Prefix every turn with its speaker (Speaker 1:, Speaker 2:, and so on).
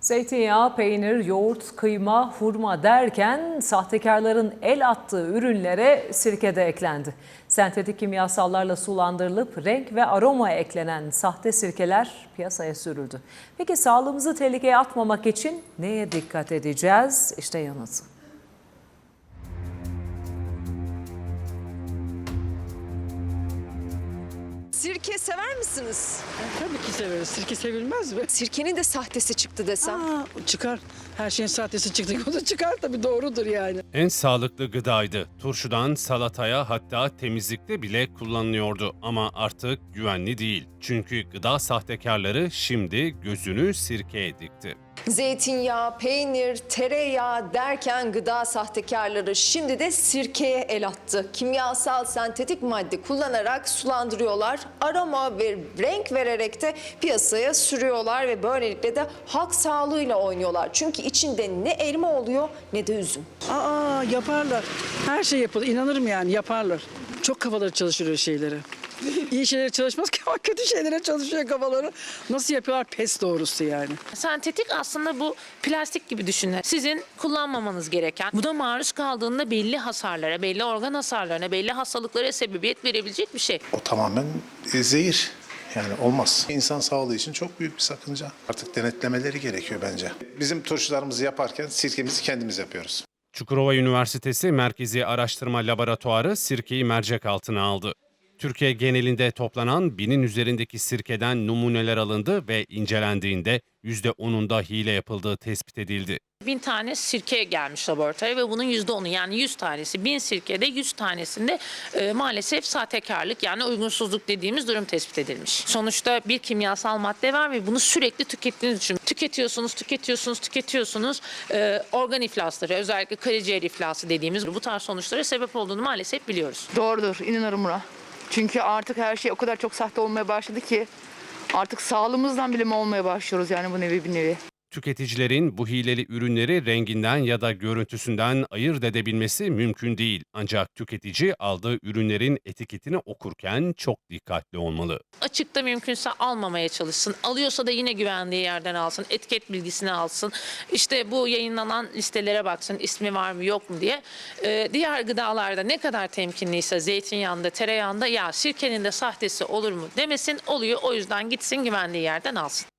Speaker 1: Zeytinyağı, peynir, yoğurt, kıyma, hurma derken sahtekarların el attığı ürünlere sirke de eklendi. Sentetik kimyasallarla sulandırılıp renk ve aroma eklenen sahte sirkeler piyasaya sürüldü. Peki sağlığımızı tehlikeye atmamak için neye dikkat edeceğiz? İşte yanıtı.
Speaker 2: Sirke sever misiniz?
Speaker 3: Tabii ki severiz. Sirke sevilmez mi?
Speaker 2: Sirkenin de sahtesi çıktı desem.
Speaker 3: Çıkar. Her şeyin sahtesi çıktı. O da çıkar tabii, doğrudur yani.
Speaker 4: En sağlıklı gıdaydı. Turşudan salataya, hatta temizlikte bile kullanılıyordu ama artık güvenli değil. Çünkü gıda sahtekarları şimdi gözünü sirkeye dikti.
Speaker 2: Zeytinyağı, peynir, tereyağı derken gıda sahtekarları şimdi de sirkeye el attı. Kimyasal sentetik madde kullanarak sulandırıyorlar. Aroma ve renk vererek de piyasaya sürüyorlar ve böylelikle de halk sağlığıyla oynuyorlar. Çünkü içinde ne elma oluyor ne de üzüm.
Speaker 3: Yaparlar. Her şey yapılır. İnanırım yani, yaparlar. Çok kafaları çalışır öyle şeyleri. İyi şeylere çalışmaz ki ama kötü şeylere çalışıyor kafaları. Nasıl yapıyorlar pes doğrusu yani.
Speaker 5: Sentetik aslında bu plastik gibi düşünün. Sizin kullanmamanız gereken, buna maruz kaldığında belli hasarlara, belli organ hasarlarına, belli hastalıklara sebebiyet verebilecek bir şey.
Speaker 6: O tamamen zehir. Yani olmaz. İnsan sağlığı için çok büyük bir sakınca. Artık denetlemeleri gerekiyor bence. Bizim turşularımızı yaparken sirkemizi kendimiz yapıyoruz.
Speaker 4: Çukurova Üniversitesi Merkezi Araştırma Laboratuvarı sirkeyi mercek altına aldı. Türkiye genelinde toplanan 1000'in üzerindeki sirkeden numuneler alındı ve incelendiğinde %10'unda hile yapıldığı tespit edildi.
Speaker 5: 1000 tane sirke gelmiş laboratuvara ve bunun %10'u yani 100 tanesi, 1000 sirkede 100 tanesinde maalesef sahtekarlık yani uygunsuzluk dediğimiz durum tespit edilmiş. Sonuçta bir kimyasal madde var ve bunu sürekli tükettiğiniz için tüketiyorsunuz. Organ iflasları, özellikle karaciğer iflası dediğimiz bu tarz sonuçlara sebep olduğunu maalesef biliyoruz.
Speaker 7: Doğrudur, inanırım buna. Çünkü artık her şey o kadar çok sahte olmaya başladı ki artık sağlığımızdan bile mi olmaya başlıyoruz yani bu nevi bir nevi.
Speaker 4: Tüketicilerin bu hileli ürünleri renginden ya da görüntüsünden ayırt edebilmesi mümkün değil. Ancak tüketici aldığı ürünlerin etiketini okurken çok dikkatli olmalı.
Speaker 5: Açıkta mümkünse almamaya çalışsın. Alıyorsa da yine güvendiği yerden alsın. Etiket bilgisini alsın. İşte bu yayınlanan listelere baksın. İsmi var mı yok mu diye. Diğer gıdalarda ne kadar temkinliyse zeytinyağında, tereyağında ya sirkenin de sahtesi olur mu demesin. Oluyor, o yüzden gitsin güvendiği yerden alsın.